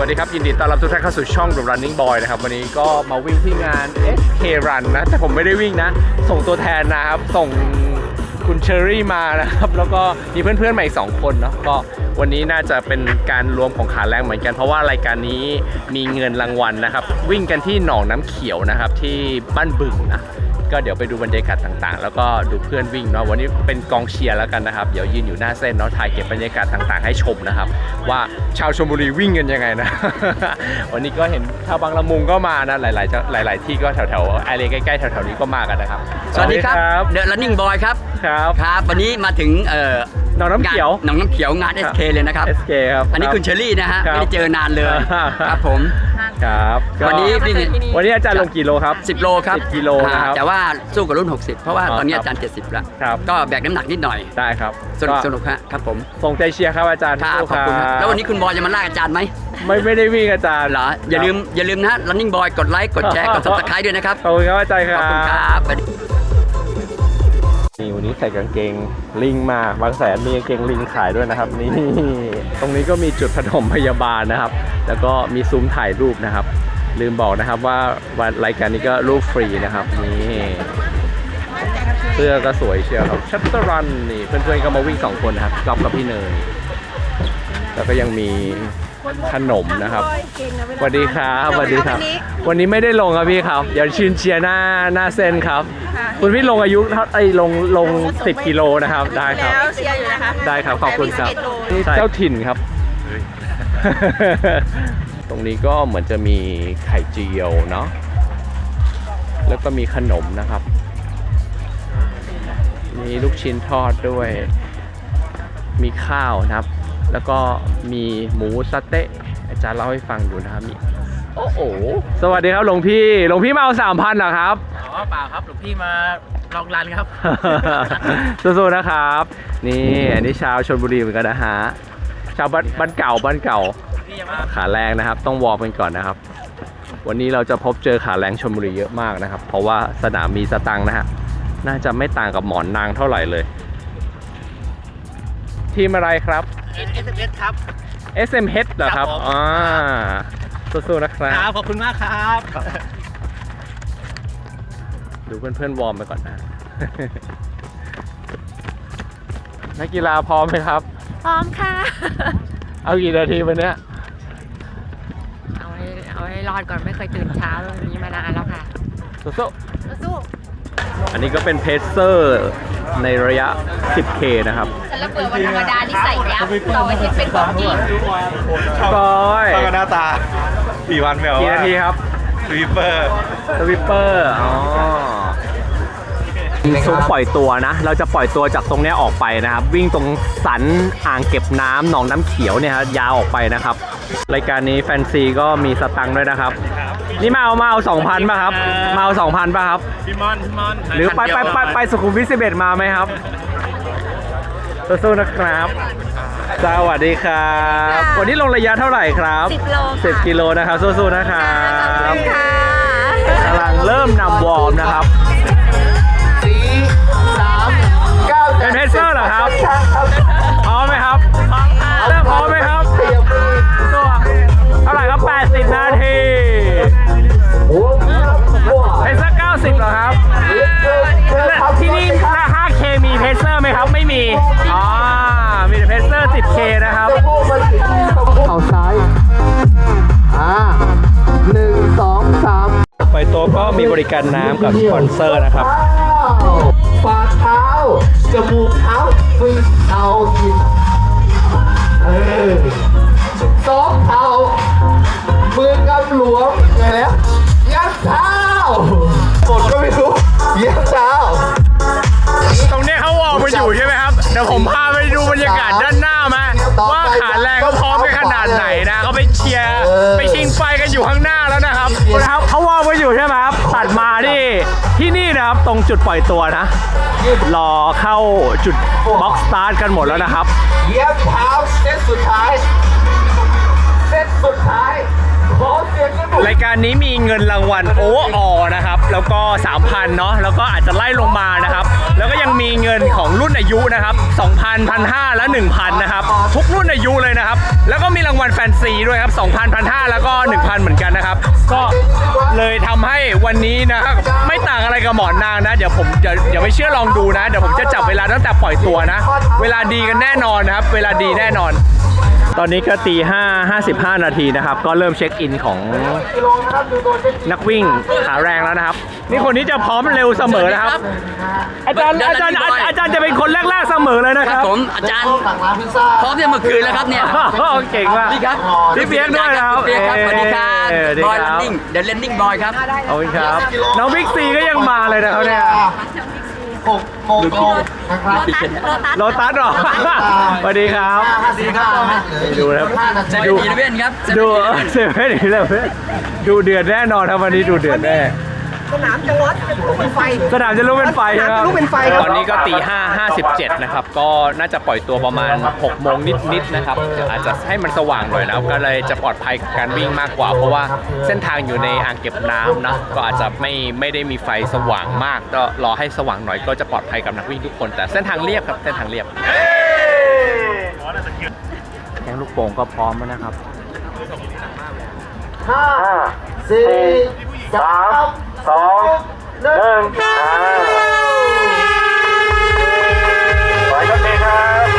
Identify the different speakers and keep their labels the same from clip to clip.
Speaker 1: สดีครับยินดีต้อนรับทุกท่านเข้าสู่ช่อง The Running Boy นะครับวันนี้ก็มาวิ่งที่งาน SK Run นะแต่ผมไม่ได้วิ่งนะส่งตัวแทนนะครับส่งคุณเชอรี่มานะครับแล้วก็มีเพื่อนๆใหม่2คนเนาะก็วันนี้น่าจะเป็นการรวมของขาแรงเหมือนกันเพราะว่ารายการนี้มีเงินรางวัลนะครับวิ่งกันที่หนองน้ำเขียวนะครับที่บ้านบึงนะก็เดี๋ยวไปดูบรรยากาศต่างๆแล้วก็ดูเพื่อนวิ่งเนาะวันนี้เป็นกองเชียร์แล้วกันนะครับเดี๋ยวยืนอยู่หน้าเส้นเนาะถ่ายเก็บบรรยากาศต่างๆให้ชมนะครับว่าชาวชลบุรีวิ่งกันยังไงนะ วันนี้ก็เห็นชาวบางละมุงก็มานะหลายที่ก็แถวๆไอเรียใกล้ๆแถวๆนี้ก็มากันนะครับ
Speaker 2: สวัสดีครับเดอะ Running Boy ครับครับวันนี้มาถึง
Speaker 1: หนองน้ำเขียว
Speaker 2: งาน SK เลยนะครับ
Speaker 1: SK ครับ
Speaker 2: อันนี้คุณเชอรี่นะฮะไม่ได้เจอนานเลยครับผม
Speaker 1: ครับ
Speaker 2: วัน
Speaker 1: นี้อาจารย์ลงกี่โลครับ
Speaker 2: 10 โลครับ
Speaker 1: 10 กิโลนะครับ
Speaker 2: แต่ว่าสู้กับรุ่น60เพราะว่าตอนนี้อาจารย์70แล้วก็แบกน้ำหนักนิดหน่อย
Speaker 1: ได้ครับ
Speaker 2: สนุกครับผม
Speaker 1: ส่งใจเชียร์ครับอาจารย์
Speaker 2: ขอบคุณครับแล้ววันนี้คุณบอยจะมาลากอาจารย์ไหม
Speaker 1: ไม่ได้วิ่งอาจารย์
Speaker 2: เหรออย่าลืมนะ Running Boy กดไลค์กดแชร์กด Subscribe ด้วยนะครับ
Speaker 1: ขอบคุณครับอาจารย์ครับ
Speaker 2: ขอบคุณครับ
Speaker 1: นี่วันนี้ใส่กางเกงลิงมาบางแสนมีกางเกงลิงขายด้วยนะครับนี่ตรงนี้ก็มีจุดปฐมพยาบาลนะครับแล้วก็มีซุ้มถ่ายรูปนะครับลืมบอกนะครับว่าวันรายการนี้ก็รูปฟรีนะครับนี่เสื้อก็สวยเชียวครับชัตเตอร์รันนี่เพื่อนๆก็มาวิ่ง2คนนะครับก๊อฟกับพี่เนยแล้วก็ยังมีขนมนะครับสวัสดีครับสวัสดีครับวันนี้ไม่ได้ลงครับพี่ครับเดี๋ยวชื่นเชียร์หน้าเส้นครับคุณพี่ลงอายุลง10 กิโลนะครับได้ครับได้ครับขอบคุณครับนี่เจ้าถิ่นครับตรงนี้ก็เหมือนจะมีไข่เจียวเนาะแล้วก็มีขนมนะครับมีลูกชิ้นทอดด้วยมีข้าวนะครับแล้วก็มีหมูสะเต๊ะอาจารย์เล่าให้ฟังอยู่นะครับมีโอ้โหสวัสดีครับหลวงพี่มาเอา 3,000 เหรอครับ
Speaker 3: อ๋อเปล่าครับหลวงพี่มาลองรันครับ
Speaker 1: สู้ๆนะครับนี่อันนี้ชาวชลบุรีเหมือนกันนะฮะชาวบ้านเก่าขาแรงนะครับต้องวอร์มกันก่อนนะครับวันนี้เราจะพบเจอขาแรงชลบุรีเยอะมากนะครับเพราะว่าสนามมีสตังค์นะฮะน่าจะไม่ต่างกับหมอนนางเท่าไหร่เลยทีมอะไรครับ
Speaker 3: SMH ครับ
Speaker 1: SMH เหรอครับสู้ๆนะครับ
Speaker 3: ขอบคุณมากครับ
Speaker 1: ดูเพื่อนๆวอร์มไปก่อนนะ นักกีฬาพร้อมไหมครับ
Speaker 4: พร้อมค่ะ
Speaker 1: เอากี่นาทีวันนี้
Speaker 4: เอาให้รอดก่อนไม่เคยตื่นเช้าแบบนี้มานานแล้วค่ะ
Speaker 1: สู้อันนี้ก็เป็นเพจเซอร์ในระยะ 10K นะครับ
Speaker 4: แต่ละเปิดวันธรรมดาที่ใส่ยับเราอาทิตย์เป็นของจริง
Speaker 1: ก้อย
Speaker 3: ก็หน้าตา4 วันแบบ
Speaker 1: กี่นาทีครับ
Speaker 3: สวิปเปอร์
Speaker 1: ซุ้มปล่อยตัวนะเราจะปล่อยตัวจากตรงนี้ออกไปนะครับวิ่งตรงสันอ่างเก็บน้ำหนองน้ำเขียวเนี่ยครับยาวออกไปนะครับรายการนี้แฟนซีก็มีสตังค์ด้วยนะครับนี่มาเอา 2,000 ป่ะครับมาเอา 2,000 ป่ะครับ
Speaker 3: พี่มอน
Speaker 1: หรือไปสุขุมวิท 11มาไหมครับสู้ๆนะครับสวัสดีครับวันนี้ลงระยะเท่าไหร่ครับ10 กิโลนะครับสู้ๆนะครับกำลังเริ่มนำวอร์มนะครับเป็นเพจเซอร์เหรอครับพร้อมไหมครับเริ่มพร้อมไหมครับตัวเท่าไหร่ครับ80 นาทีเพจเซอร์90เหรอครับที่นี่ถ้า 5K มีเพจเซอร์ไหมครับไม่มีมีแต่เพจเซอร์ 10K นะครับ
Speaker 5: เอาซ้าย1 2 3
Speaker 1: ไปตัวก็มีบริการน้ำกับสปอนเซอร์นะครับ
Speaker 5: ฝ่าเท้าจมูกเท้าฝึกเท้ากินสองเท้ามือกำหลวมไงแล้วยัดเท้ากดก็ไม่รู้ยัดเท้า
Speaker 1: ตรงนี้เขาวอร์มมาอยู่ใช่ไหมครับเดี๋ยวผมพาไปดูบรรยากาศด้านหน้ามาว่าขาแรงเขาพร้อมกันขนาดไหนนะเขาไปเชียร์ไปชิงไฟกันอยู่ข้างหน้าแล้วนะครับเขาวอร์มมาอยู่ใช่ไหมครับตัดมาที่นี่นะครับตรงจุดปล่อยตัวนะรอเข้าจุดบ็อกซ์สตาร์ทกันหมดแล้วนะครับ
Speaker 5: เย็บเท้าเซตสุดท้าย
Speaker 1: รายการนี้มีเงินรางวัลโอเวอร์ออนะครับแล้วก็ 3,000 เนาะแล้วก็อาจจะไล่ลงมานะครับแล้วก็ยังมีเงินของรุ่นอายุนะครับ 2,000 1,500 และ 1,000 นะครับ ทุกรุ่นอายุเลยนะครับ แล้วก็มีรางวัลแฟนซีด้วยครับ 2,000 1,500 แล้วก็ 1,000 เหมือนกันนะครับ ก็เลยทำให้วันนี้นะครับไม่ต่างอะไรกับหมอนนางนะ เดี๋ยวไม่เชื่อลองดูนะ เดี๋ยวผมจะจับเวลาตั้งแต่ปล่อยตัวนะ เวลาดีกันแน่นอนนะครับ เวลาดีแน่นอน ตอนนี้ก็ตี 5:55 นาทีนะครับ ก็เริ่มเช็คอินของนักวิ่งขาแรงแล้วนะครับ นี่คนนี้จะพร้อมเร็วเสมอนะครับ อาจารย์จะเป็นคนแรกๆเสมอเลยนะ
Speaker 2: ค
Speaker 1: ค
Speaker 2: รั
Speaker 1: รั
Speaker 2: บบ ผมอาจารย์
Speaker 5: สั่งร้านพิซซ่า
Speaker 2: พร้อมจะเมื่อคืนแล้วครับเนี่ย
Speaker 1: เก่งมาก
Speaker 2: นี่ครับ
Speaker 1: พี่เปี๊ยกด้วยนะครับ
Speaker 2: พี่เปี๊ยกครับสวัสดีครับ
Speaker 1: สวัสดี
Speaker 2: บอย
Speaker 1: ค
Speaker 2: ลั
Speaker 1: รั
Speaker 2: น
Speaker 1: บ
Speaker 2: นิ่งเดอะเลนนิ่งบอยครับ
Speaker 1: ขอบคุณครับ น้องบิ๊กซีก็ยังมาเลยนะครับเนี่ย
Speaker 5: 6 โมงตรงนะครับ
Speaker 1: โลตัสเหรอ สวัสดีครับ ดูนะครับ
Speaker 2: เซเว่นอีเลฟเว่นครับ
Speaker 1: ดูเซเว่นอีเลฟเว่นดูเดือดแน่นอนครับวันนี้ดูเดือดแน่
Speaker 6: สนามจะร้อนจะลุกเป็นไฟ
Speaker 1: สนามจะลุกเป็นไฟครับ
Speaker 6: ลุกเป็นไฟครับ
Speaker 1: ตอนนี้ก็ตี 5:57 นะครับ ก็น่าจะปล่อยตัวประมาณ 6 โมงนิดๆนะครับเดี๋ยวอาจจะให้มันสว่างหน่อยนะครับก็เลยจะปลอดภัยกับการวิ่งมากกว่า เพราะว่าเส้นทางอยู่ในอ่างเก็บน้ำนะก็อาจจะไม่ได้มีไฟสว่างมากก็รอให้สว่างหน่อยก็จะปลอดภัยกับนักวิ่งทุกคน แต่เส้นทางเรียบครับเส้นทางเรียบแข่งลูกโป่งก็พร้อมแล้วนะครับ
Speaker 5: 5 4 3 2 1ไปกันเลยครับ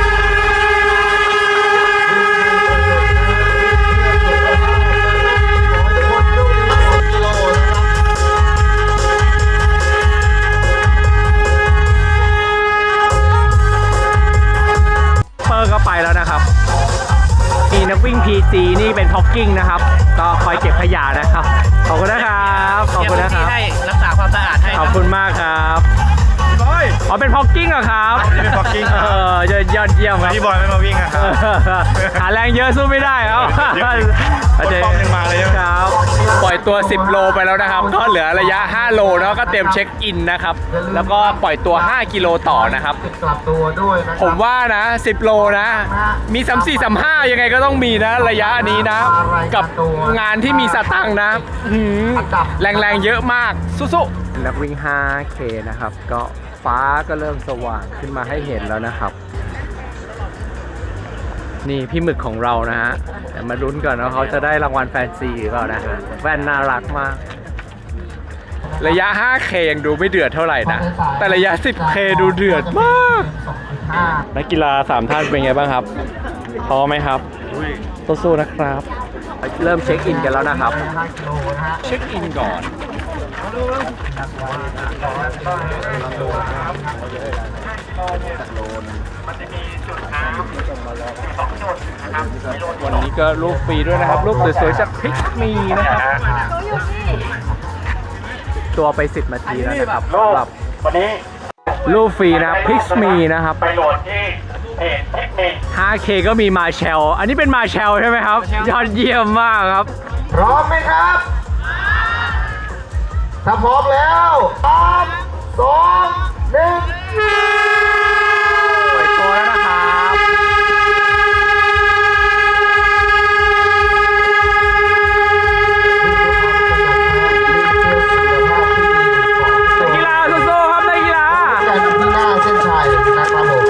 Speaker 1: เปอร์ก็ไปแล้วนะครับมีนักวิ่ง PG นี่เป็นพ็อกกิ้งนะครับ ก็คอยเก็บขยะนะครับ ขอบคุณนะครับ ขอบคุณนะครับ
Speaker 3: ให้รักษาความสะอาดให้
Speaker 1: ขอบคุณมากครับอ๋อเป็นพ็อกกิ้งเหรอครับ
Speaker 3: เป็น Pogging
Speaker 1: ยอดเยี่ยมครับ
Speaker 3: พี่บอยไม่มาวิ่งอะครับ
Speaker 1: หาแรงเยอะสู้ไม่ได้ครับ
Speaker 3: ป้อมยังมาเลย
Speaker 1: ครับ ปล่อยตัว 10 โลไปแล้วนะครับ ก็เหลือระยะ 5 โลเนาะก็เตรียมเช็คอินนะครับ แล้วก็ปล่อยตัว 5 กิโลต่อนะครับ
Speaker 5: กลับตัวด้วยนะ
Speaker 1: ผมว่านะ 10 โลนะ มี 34 35 ยังไงก็ต้องมีนะ ระยะนี้นะ กับงานที่มีสตังค์นะแรงๆเยอะมาก สู้ๆนักวิ่ง 5K นะครับ ก็ฟ้าก็เริ่มสว่างขึ้นมาให้เห็นแล้วนะครับ นี่พี่หมึกของเรานะฮะเดี๋ยวมาลุ้นก่อนว่าเขาจะได้รางวัลแฟนซีหรือเปล่านะฮะแว่นน่ารักมาก ระยะ 5K ยังดูไม่เดือดเท่าไหร่นะ แต่ระยะ 10K ดูเดือดมาก นักกีฬา3ท่านเป็นไงบ้างครับพร้อมไหมครับสู้ๆนะครับ เริ่มเช็คอินกันแล้วนะครับ เช็คอินก่อนวันนี้ก็รูปฟรีด้วยนะครับ รูปสวยๆจากพิกมีนะครับ ตัวไป10 นาทีแล้วนะครับสำหรับวันนี้รูปฟรีนะพิกมีนะครับไปโหลดที่5K ก็มีมาเชลอันนี้เป็นมาเชลใช่ไหมครับยอดเยี่ยมมากครับ
Speaker 5: พร้อมไหมครับ ถ้าพร้อมแล้ว3 2 1
Speaker 1: ปล่อยตัวแล้วนะครับนักกีฬาสู้ๆครับนักกีฬา
Speaker 5: กันที่หน้าเส้นชัยนะครับผม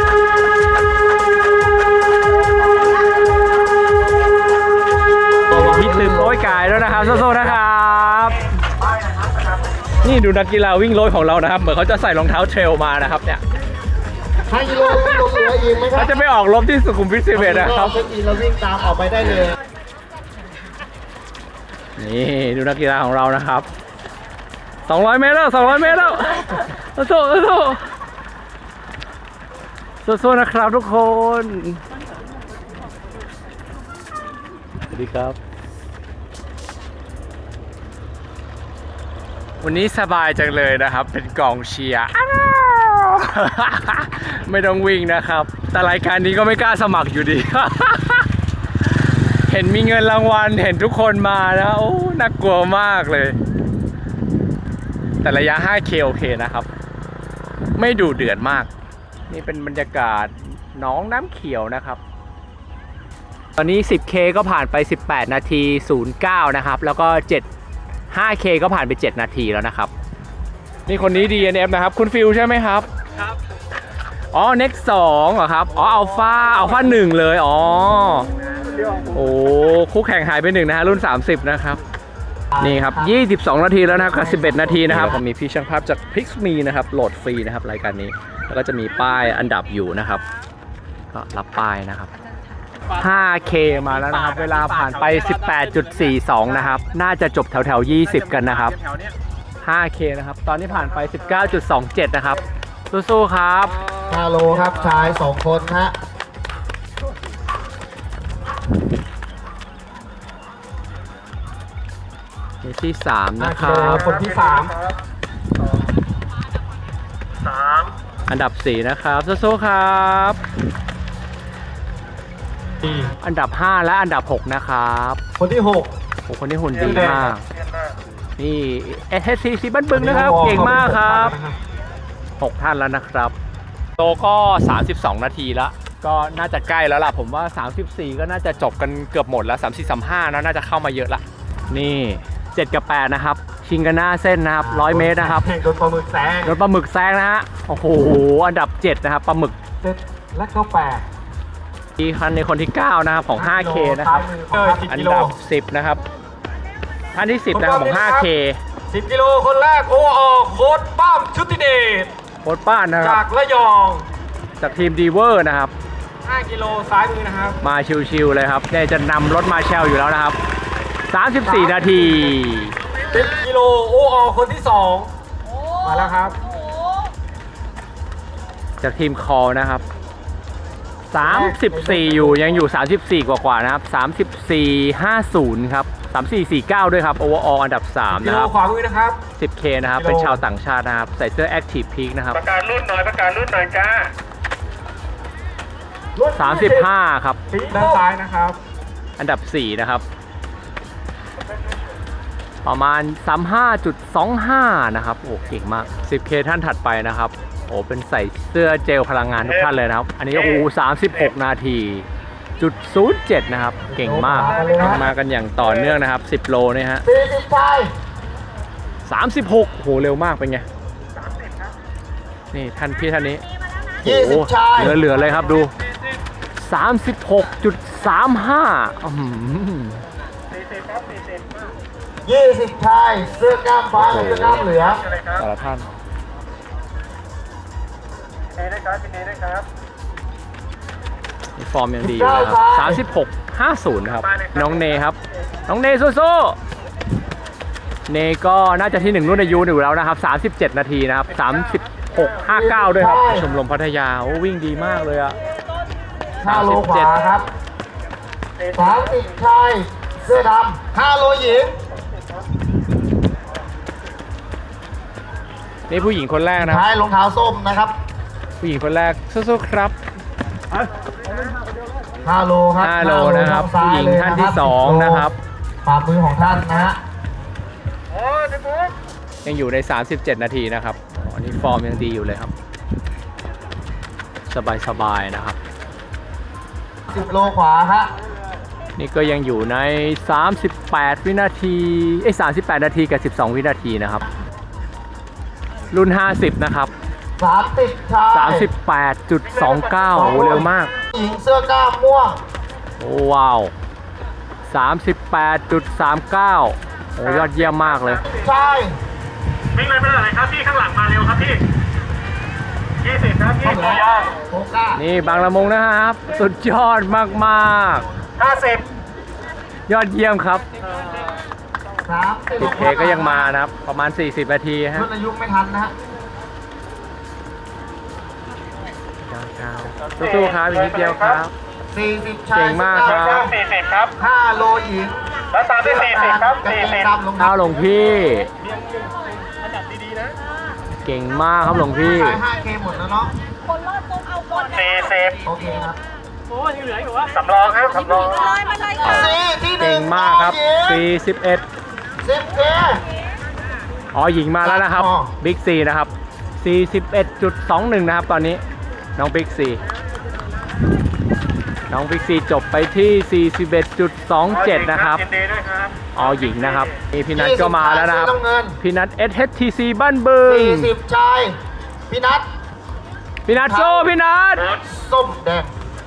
Speaker 1: พี่ตืมโป้ยกายแล้วนะครับสู้ๆนะครับ นี่ดูนักกีฬาวิ่งโรยของเรานะครับเหมือนเขาจะใส่รองเท้าเทรลมานะครับเนี่ย
Speaker 5: 5 กิโลวิ่งลงเหลืออีกไหมครั
Speaker 1: เขา
Speaker 5: บ
Speaker 1: จะไปออกรบที่สุขุมวิท11นะครับ
Speaker 5: เช็คอินแล้ววิ่งตามออกไปได้เลย
Speaker 1: นี่ดูนักกีฬาของเรานะครับ200 เมตรแล้ว200 เมตรแล้วสู้ๆนะครับทุกคนสวัสดีครับ วันนี้สบายจังเลยนะครับ เป็นกองเชียร์ ไม่ต้องวิ่งนะครับ แต่รายการนี้ก็ไม่กล้าสมัครอยู่ดี เห็นมีเงินรางวัลเห็นทุกคนมานะโอ้น่ากลัวมากเลย แต่ระยะ 5K โอเคนะครับ ไม่ดูเดือดมาก นี่เป็นบรรยากาศหนองน้ำเขียวนะครับ ตอนนี้ 10K ก็ผ่านไป 18 นาที 09 นะครับ แล้วก็ 5K ก็ผ่านไป 7 นาทีแล้วนะครับ นี่คนนี้ DNF นะครับ คุณฟิลใช่ไหมครับอ๋อ Next 2เหรอครับ อ๋อ อัลฟา1เลย อ๋อ โอ้คู่แข่งหายไป1นะฮะ รุ่น 30 นะครับ นี่ครับ 22 นาทีแล้วนะครับกับ11 นาทีนะครับผมมีพี่ช่างภาพจาก Pixme นะครับ โหลดฟรีนะครับ รายการนี้ แล้วก็จะมีป้ายอันดับอยู่นะครับ ก็รับป้ายนะครับ 5K มาแล้วนะครับ เวลาผ่านไป 18.42 นะครับ น่าจะจบแถวๆ 20 กันนะครับ 5K นะครับ ตอนนี้ผ่านไป 19.27 นะครับ สู้ๆครับ
Speaker 5: 5 โลครับชาย 2 คนฮะ
Speaker 1: นี่ที่ 3 นะค
Speaker 5: 5
Speaker 1: รั
Speaker 5: กิโล
Speaker 1: บ
Speaker 5: คนที่
Speaker 1: อันดับ 4 นะครับ สู้ๆครับ
Speaker 5: 3
Speaker 1: อันดับ 5 และอันดับ 6 นะครับ
Speaker 5: คนที่
Speaker 1: โอ้คนนี้หุ่นดีมาก นี่ SSC บ้านบึงนะครับ เก่งมากครับ 6 ท่านแล้วนะครับ โตก็ 32 นาทีแล้ว ก็น่าจะใกล้แล้วล่ะ ผมว่า 34 ก็น่าจะจบกันเกือบหมดแล้ว 34-35นะน่าจะเข้ามาเยอะละ นี่ 7 กับ 8 นะครับ ชิงกันหน้าเส้นนะครับ 100 เมตรนะครับ
Speaker 5: โดนปลาหมึกแซง
Speaker 1: รถปลาหมึกแซงนะฮะ โอ้โห อันดับ 7 นะครับ ปลาหมึก
Speaker 5: 7 และก็ 8
Speaker 1: ที่คันในคนที่ 9 นะครับ ของ 5K นะครับ อันดับ 10 นะครับ ท่านที่ 10 นะครับ ของ 5K
Speaker 5: 10 กิโลคนแรกโอโค้ดป้ามชุติเดช
Speaker 1: โค้ดป้านนะครั
Speaker 5: จา
Speaker 1: บ
Speaker 5: กระยอง
Speaker 1: จากทีมดีเวอร์นะครับ
Speaker 5: 5 กิโลซ้ายมือนะครับ
Speaker 1: มาชิวๆเลยครับเนี่ยจะนำรถมาแชลอยู่แล้วนะครับ 34 นาที
Speaker 5: 10 กิโลโอคนที่ 2 มาแล้วครับ
Speaker 1: จากทีมคอลนะครับ 34 อยู่ยังอยู่ 34 กว่าๆนะครับ 34.50 ครับ 34.49 ด้วยครับโอเวอร์ออลอันดับ 3
Speaker 5: กิ
Speaker 1: นะ
Speaker 5: โล
Speaker 1: ครับ
Speaker 5: ขวามือนะครับ
Speaker 1: 10K นะครับ เป็นชาวต่างชาตินะครับ ใส่เสื้อ Active Peak นะครับ
Speaker 3: ประกาศรุ่นหน่อยจ้า
Speaker 1: 35 ครับ
Speaker 5: ด้านซ้ายนะครับ
Speaker 1: อันดับ 4 นะครับ ประมาณ 35.25 นะครับ โอ้เก่งมาก 10K ท่านถัดไปนะครับ โอ้เป็นใส่เสื้อเจลพลังงานทุกท่านเลยนะครับ อันนี้โอ้36 นาทีจุด07 นะครับ เก่งมากมากันอย่างต่อเนื่องนะครับ 10 โลเนี่ยฮะ
Speaker 5: 40ชาย
Speaker 1: 36 โห เร็วมากเป็นไง นี่ท่านพี่ท่านนี้ โอ้โห
Speaker 5: 20ชาย
Speaker 1: เหลือเลยครับดู 36.35
Speaker 5: 20ชายเสื้อกล้ามฟ้าและเสื้อกล้ามเหลือง
Speaker 1: แต่ละท่าน นี่ฟอร์มยังดีอยู่นะครับ36.50 นะครับ น้องเนครับ น้องเนสู้ๆเนก็น่าจะที่ 1 รุ่นอายุอยู่แล้วนะครับ 37 นาทีนะครับ 36.59 ด้วยครับ ชมรมพัทยา โอ้วิ่งดีมากเลยอะ
Speaker 5: 5 โลขวาครับ 30ชายเสื้อดำ5 โลหญิง
Speaker 1: นี่ผู้หญิงคนแรกนะครับ
Speaker 5: ชายรองเท้าส้มนะครับ
Speaker 1: ผู้หญิงคนแรกสู้ๆครับ
Speaker 5: 5 โลครับ
Speaker 1: 5 โลนะครับ
Speaker 5: ซ้
Speaker 1: ผู้
Speaker 5: ย
Speaker 1: หญิง
Speaker 5: เลย
Speaker 1: ท่านที่ 2 นะครับ
Speaker 5: ฝ่ามือของท่านนะฮะ
Speaker 1: ยังอยู่ใน 37 นาทีนะครับอันนี้ฟอร์มยังดีอยู่เลยครับ สบายๆนะครับ
Speaker 5: 10 โลขวาฮะ
Speaker 1: นี่ก็ยังอยู่ใน 38 วินาที38 นาทีกับ 12 วินาทีนะครับ รุ่น 50 นะครับ
Speaker 5: 30ชาย
Speaker 1: 38.29 โอ้โหเร็วมาก
Speaker 5: หญิงเสื้อกล้ามม่วง
Speaker 1: โอ้ว้าว 38.39 โอ้ยอดเยี่ยมมากเลย
Speaker 5: ชาย
Speaker 3: วิ่งเลยไม่ได้เลยครับพี่ข้างหลังมาเร็วครับพี่20ครับพี่ตัวย่าง
Speaker 5: โคก้า
Speaker 1: นี่บางละมุงนะครับ สุดยอดมากๆ ยอดเยี่ยมครับ
Speaker 5: 30
Speaker 1: 10K ก็ยังมานะครับ ประมาณ 40 นาทีฮะ
Speaker 5: รุ่นอายุไม่ทันนะฮะ
Speaker 1: สู้ๆครับอีกนิดเดียวครับ
Speaker 5: 40ชาย
Speaker 1: เก่งมากครับ
Speaker 3: 40ครับ
Speaker 5: 5 โลหญิง
Speaker 3: แล้วตามด้วย40ครับ
Speaker 5: กางเกง
Speaker 3: 40
Speaker 5: ดำรอง
Speaker 1: ข้า
Speaker 5: เท้าว
Speaker 1: หลวงพี่ เก่งมากครับหลวงพี่
Speaker 5: ชาย 5K หมดแล้วเนาะ
Speaker 4: คนรอดปุ๊บเอาคน
Speaker 3: 40
Speaker 5: โอเคครับ
Speaker 3: สำรองครับสำรอง
Speaker 4: เลยมาเลยค่ะ
Speaker 5: 4ที่
Speaker 1: เก่งมากครับ 41
Speaker 5: 10K
Speaker 1: อ๋อหญิงมาแล้วนะครับ
Speaker 5: อ๋อ
Speaker 1: บิ๊กซีนะครับ 41.21 นะครับตอนนี้ น้องบิ๊กซี น้องบิ๊กซีจบไปที่ 41.27 นะครับ
Speaker 3: ยินดีด้วยครับ
Speaker 1: อ๋อหญิงนะครับนี่พี่นัทก็มาแล้วนะครับ
Speaker 5: น้ำเงิน
Speaker 1: พี่นัท SHTC บ้านบึง
Speaker 5: 40ชายพี่นัท
Speaker 1: พี่นัทสู้พี่นัท
Speaker 5: ส้มแดง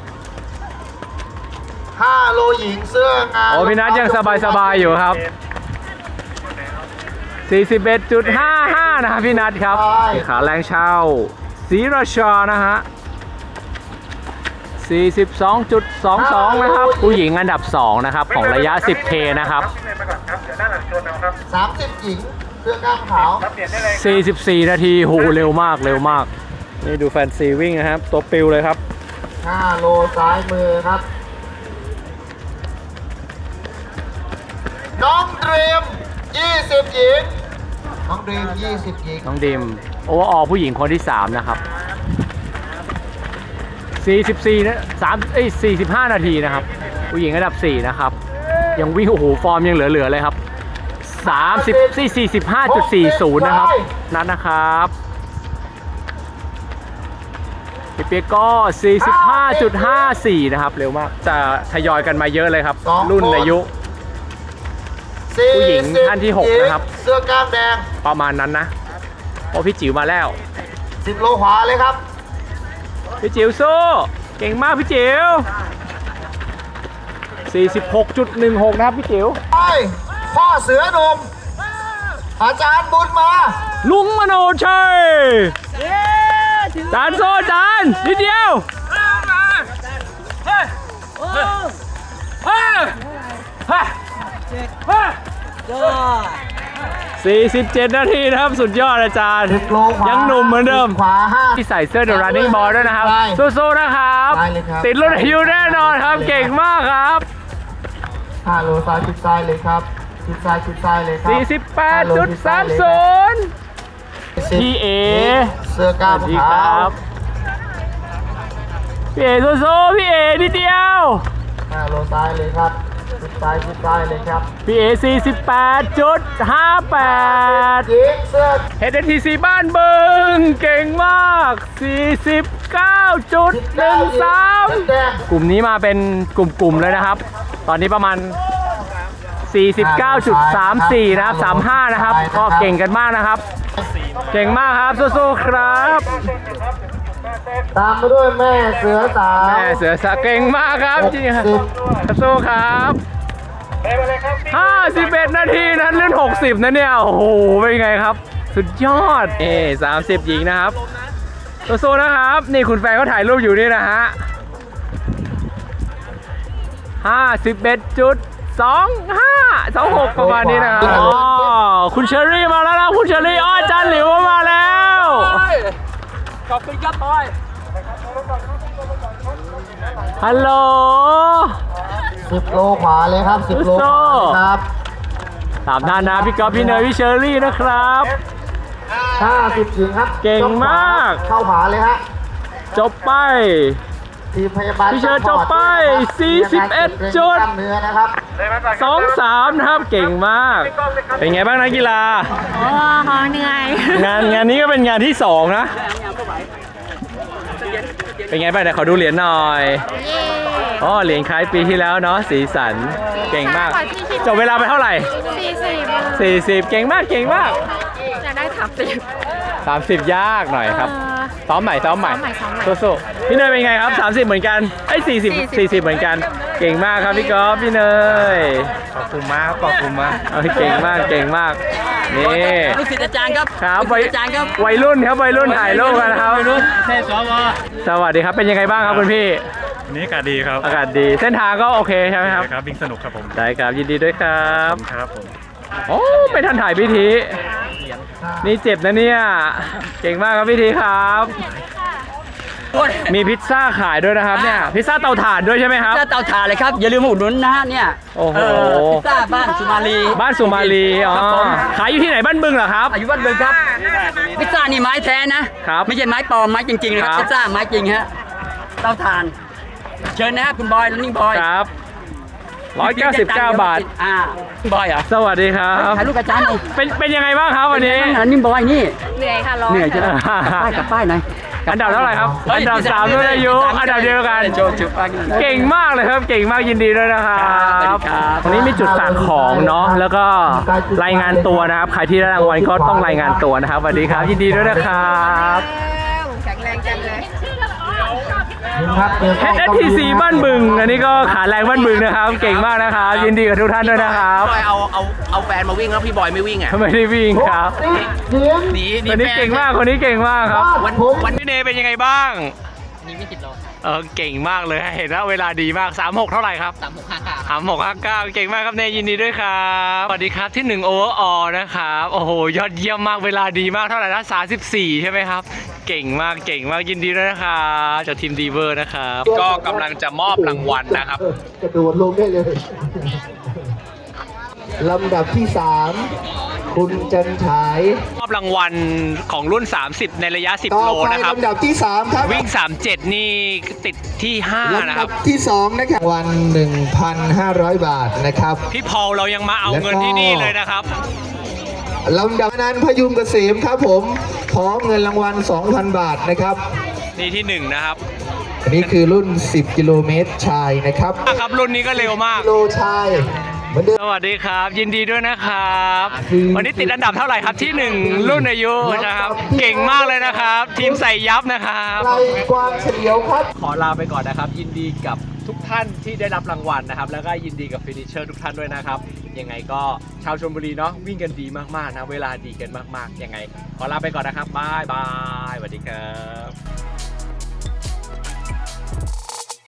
Speaker 5: 5 โลหญิงเสื้องาน
Speaker 1: โอ้พี่นัทยังสบายๆอยู่ครับ 41.55 นะครับพี่นัทครับขาแรงเช่าศรีราชานะฮะ 42.22 นะครับผู้หญิงอันดับ 2 นะครับของระยะ 10K นะครับ
Speaker 5: 30 หญิงเสื้อกล้ามขาว
Speaker 1: 44 นาทีโหเร็วมากเร็วมาก นี่ดูแฟนซีวิ่งนะครับ ตัวปิวเลยครับ
Speaker 5: 5 โลซ้ายมือครับ น้องดรีม20 หญิง น้องดรีม20 หญิง
Speaker 1: น้องดิมโอเวอร์ออลผู้หญิงคนที่ 3 นะครับ 44 นะ45 นาทีนะครับ ผู้หญิงอันดับ 4 นะครับ ยังวิ่งโอ้โหฟอร์มยังเหลือๆเลยครับ45.40 นะครับ นัดนะครับพี่เปียกก็ 45.54 นะครับ เร็วมาก จะทยอยกันมาเยอะเลยครับ รุ่นอายุ ผู้หญิงท่านที่ 6 นะครับ
Speaker 5: เสื้อกล้ามแดง
Speaker 1: ประมาณนั้นนะโอ้พี่จิ๋วมาแล้ว
Speaker 5: 10 โลขวาเลยครับ
Speaker 1: พี่จิ๋วสู้เก่งมากพี่จิ๋ว 46.16 นะครับพี่จิ๋ว
Speaker 5: ไป พ่อเสือหนุ่ม อาจารย์บุญมา
Speaker 1: ลุงมโนชัยจานโซ่จานนิดเดียว47 นาทีนะครับสุดยอดอาจารย์
Speaker 5: 10 โลขวา
Speaker 1: ยังหนุ่มเหมือนเดิม
Speaker 5: ขวา5
Speaker 1: ที่ใส่เสื้อ The Running Ball ด้วยนะครับ
Speaker 5: ได้
Speaker 1: สู้ๆนะครับ
Speaker 5: ได้เลยครับ
Speaker 1: ติดรุ่นอายุแน่นอนครับ เก่งมากครับ
Speaker 5: 5 โลซ้ายชิดซ้ายเลยครับชิดซ้ายชิดซ้ายเลยครับ5 โลชิดซ้ายเลยครับ
Speaker 1: 48.30 พี่เอ
Speaker 5: เสื้อกล้าม
Speaker 1: สวัสดี
Speaker 5: ขา
Speaker 1: คว รับพี่เอสู้ๆพี่เอนิดเดียว
Speaker 5: 5 โลซ้ายเลยครับชิดซ้ายชิดซ้ายเลยครับ
Speaker 1: พี่เอ48.58
Speaker 5: หญิงเสื้อ
Speaker 1: HTC บ้านบึงเก่งมาก 49.13
Speaker 5: แดง
Speaker 1: กลุ่มนี้มาเป็นกลุ่มๆเลยนะครับ ตอนนี้ประมาณ 49.34 นะครับ 35 นะครับ ก็เก่งกันมากนะครับ เก่งมากครับสู้ๆครับ
Speaker 5: ตามมาด้วยแม่เสือสาว
Speaker 1: แม่เสือสาเก่งมากครับจริงครับสู้ครับ51 นาทีนั้นเล่น60นะเนี่ยโอ้โหเป็นไงครับ สุดยอด30 หญิงนะครับสู้ๆนะครับ นี่คุณแฟนเขาถ่ายรูปอยู่นี่นะฮะ51.26 ประมาณนี้นะครับอ๋อคุณเชอรี่มาแล้วนะคุณเชอรี่อาจารย์หลิวมาแล้ว
Speaker 2: ขอบคุณครับบอย
Speaker 1: ฮัลโหล
Speaker 5: 10 โลขวาเลยครับ 10 โลขวาเลยครับ
Speaker 1: ตามท่านนะพี่ก๊อฟพี่เนยพี่เชอรี่นะครับ
Speaker 5: 50 หญิงครับ
Speaker 1: เก่งมาก
Speaker 5: เข้าขวาเลยฮะ
Speaker 1: จบไป
Speaker 5: ทีมพยาบาล
Speaker 1: พี่เชิญจบไป41 จุด
Speaker 5: กล้ามเนื้อนะครับ
Speaker 1: 2-3 นะครับเก่งมาก เป็นไงบ้างนักกีฬา
Speaker 4: อ๋อเหนื่อย
Speaker 1: งานนี้ก็เป็นงานที่ 2 นะ เป็นไงบ้างเดี๋ยวขอดูเหรียญหน่อย
Speaker 4: เย้
Speaker 1: อ๋อเหรียญคล้ายปีที่แล้วเนาะสีสันเก่งมาก จบเวลาไปเท่าไหร่ 40 เก่งมากเก่งมาก
Speaker 4: จะได้30
Speaker 1: 30 ยากหน่อยครับ ซ้อมใหม่
Speaker 4: ซ้อมใหม่
Speaker 1: สู้ๆพี่เนยเป็นไงครับ 30 เหมือนกันไอ้40 เหมือนกัน เก่งมากครับพี่ก๊อฟพี่เนยขอบคุณมากขอบคุณมากเก่งมากเก่งมากนี่
Speaker 2: ลูกศิษย์อาจารย์ครับ
Speaker 1: ครับ
Speaker 2: ลูกศิษย์อาจารย์ครับ
Speaker 1: วัยรุ่นครับวัยรุ่นถ่ายรูปกันนะครับ
Speaker 2: เทศสว
Speaker 1: สวัสดีครับเป็นยังไงบ้างครับคุณพี่
Speaker 7: วันนี้อากาศดีครับ
Speaker 1: อากาศดีเส้นทางก็โอเคใช่ไหมครับ
Speaker 7: ครับวิ่งสนุกครับผม
Speaker 1: ได้ครับยินดีด้วยครับ
Speaker 7: ครับผม
Speaker 1: โอ้ไม่ทันถ่ายพิธีนี่เจ็บนะเนี่ยเก่งมากครับพิธีครับ มีพิซซ่าขายด้วยนะครับเนี่ยพิซซ่าเตาถ่านด้วยใช่ไหมครับ
Speaker 2: หน้าเตาถ่านเลยครับ อย่าลืมมาอุดหนุนนะฮะเนี่ย
Speaker 1: โอ้โห
Speaker 2: พิซซ่าบ้านสุมาลี
Speaker 1: บ้านสุมาลีอ๋อ
Speaker 2: ครับผม
Speaker 1: ขายอยู่ที่ไหนบ้านบึงเหรอครับ
Speaker 2: อายุวัดเบิงครับ พิซซ่านี่ไม้แท้นะ
Speaker 1: ครับ
Speaker 2: ไม่ใช่ไม้ปลอมไม้จริงๆนะครับ
Speaker 1: ครับ
Speaker 2: พิซซ่าไม้จริงฮะเตาถ่าน เชิญนะฮะคุณบอยนี่บอย
Speaker 1: ครับ199 บาท
Speaker 2: บอยเหรอ
Speaker 1: สวัสดีครับ
Speaker 2: ถ่ายรูปกับอาจารย์หน่อย
Speaker 1: เป็นยังไงบ้างครับวันนี้
Speaker 2: นี่บอยนี่
Speaker 4: เหนื่อยค่ะร้อน
Speaker 2: เหนื่อยใช่ไหมป้ายกับป้ายหน่อย
Speaker 1: อันดับเท่าไหร่ครับ อันดับ3ด้วยอายุ อันดับเดียวกัน
Speaker 2: โชว์จุดป้ายกันหน่อย
Speaker 1: เก่งมากเลยครับ เก่งมากยินดีด้วยนะครับ
Speaker 2: ครับ
Speaker 1: วันนี้มีจุดฝากของเนาะ แล้วก็รายงานตัวนะครับ ใครที่ได้รางวัลก็ต้องรายงานตัวนะครับ สวัสดีครับ ยินดีด้วยนะครับ
Speaker 4: แข็งแรงจังเลย
Speaker 1: HSTC บ้านบึง อันนี้ก็ขาแรงบ้านบึงนะครับ เก่งมากนะครับ ยินดีกับทุกท่านด้วยนะครับ
Speaker 8: บอยเอาแฟนมาวิ่งแล้วพี่บอยไม่วิ่งอ่ะ
Speaker 1: ไม่ได้วิ่งครับ
Speaker 8: หนี
Speaker 1: คนนี้เก่งมาก คนนี้เก่งมากครับ
Speaker 8: วัน
Speaker 1: พี่เนเป็นยังไงบ้างนี่ไม่ติดโลเก่งมากเลย เห็นแล้วเวลาดีมาก 36 เท่าไหร่ครับ 3659 เก่งมากครับเนยินดีด้วยครับสวัสดีครับที่1 overall นะครับ โอ้โห ยอดเยี่ยมมาก เวลาดีมากเท่าไหร่นะ34ใช่ไหมครับ เก่งมาก เก่งมาก ยินดีด้วยนะครับจากทีมดีเวอร์นะครับ ก็กำลังจะมอบรางวัลนะครับ
Speaker 5: กระโดดลงได้เลย ลำดับที่ 3 คุณจันฉาย
Speaker 1: มอบรางวัลของรุ่น 30 ในระยะ 10
Speaker 5: ต่อ
Speaker 1: โล
Speaker 5: ไป
Speaker 1: นะครับ
Speaker 5: ลำดับที่ 3 ครับ
Speaker 1: วิ่ง 37 นี่ติดที่ 5 นะค
Speaker 5: ลำดั
Speaker 1: รั
Speaker 5: บบ ที่ 2 นะครับวัน 1,500 บาทนะครับ
Speaker 1: พี่พอลเรายังมาเอาเงินที่นี่เลยนะครับ
Speaker 5: ลำดับนั้นพยุงเกษมครับผมพร้อมเงินรางวัล 2,000 บาทนะครับ
Speaker 1: นี่ที่ 1 นะครับ
Speaker 5: อันนี้คือรุ่น 10 กิโลเมตรชายนะครับ
Speaker 1: ครับรุ่นนี้ก็เร็วมาก
Speaker 5: กิโลชายเหมือนเดิม
Speaker 1: สวัสดีครับ ยินดีด้วยนะครับ วันนี้ติดอันดับเท่าไหร่ครับที่ 1 รุ่นอายุนะครับ เก่งมากเลยนะครับ ทีมใส่ยับนะครับ
Speaker 5: ไกลกว้างเฉลียวครับ
Speaker 1: ขอลาไปก่อนนะครับ ยินดีกับทุกท่านที่ได้รับรางวัลนะครับ แล้วก็ยินดีกับฟินิชเชอร์ทุกท่านด้วยนะครับ ยังไงก็ชาวชลบุรีเนาะวิ่งกันดีมากๆนะ เวลาดีกันมากๆยังไง ขอลาไปก่อนนะครับบ๊ายบายสวัสดีครับ